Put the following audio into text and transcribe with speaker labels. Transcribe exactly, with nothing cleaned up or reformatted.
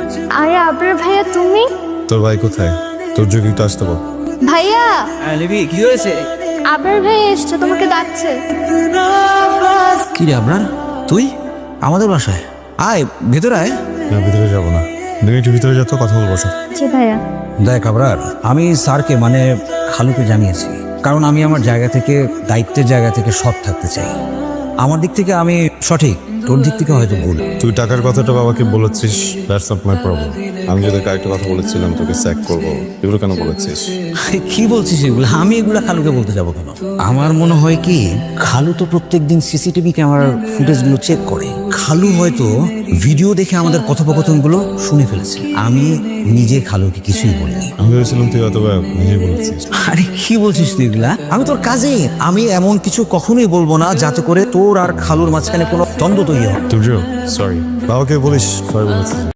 Speaker 1: আরে আবরার ভাইয়া তুমি?
Speaker 2: তোর ভাই কোথায়? তোর যোগ্য একটু আসতে বল।
Speaker 1: ভাইয়া
Speaker 3: হ্যাঁ লিপি কি হয়েছে?
Speaker 1: আবরার ভাইয়া এসছে, তোমাকে ডাকছে।
Speaker 3: কি রে আবরার, তুই আমাদের বাসায় আয়, ভেতরে আয়।
Speaker 2: না, ভিতরে যাবো না, তুমি একটু ভিতরে যাতো, কথা বলবো সব।
Speaker 1: জি ভাইয়া।
Speaker 3: দেখ আবরার, আমি স্যারকে মানে খালুকে জানিয়েছি, কারণ আমি আমার জায়গা থেকে, দায়িত্বের জায়গা থেকে সৎ থাকতে চাই। আমার দিক থেকে আমি সঠিক, তোর দিক থেকে হয়তো ভুল।
Speaker 2: তুই টাকার কথাটা বাবাকে বলেছিস, দ্যাটস নট মাই প্রবলেম। আমি যদি আরেকটা কথা বলেছিলাম তোকে স্যাক করবো, এগুলো কেন বলেছিস?
Speaker 3: কি বলছিস এগুলো? আমি এগুলো খালুকে বলতে যাবো কেন? আমার মনে হয় কি, খালু তো প্রত্যেকদিন সিসিটিভি ক্যামেরার ফুটেজগুলো চেক করে। খালু হয়তো ভিডিও দেখে আমাদের কথোপকথনগুলো শুনে ফেলেছে। আমি নিজে খালুকে কিছুই বলিনি।
Speaker 2: আমি ভেবেছিলাম তুই অথবা নিজে বলেছিস।
Speaker 3: আরে কি বলছিস তুই এগুলা? আমি তোর কাজে, আমি এমন কিছু কখনোই বলবো না যাতে করে তোর আর খালুর মাঝখানে কোনো দ্বন্দ্ব তৈরি হয়।
Speaker 2: তুই সরি, বাবাকে বলিস সরি বলেছিস।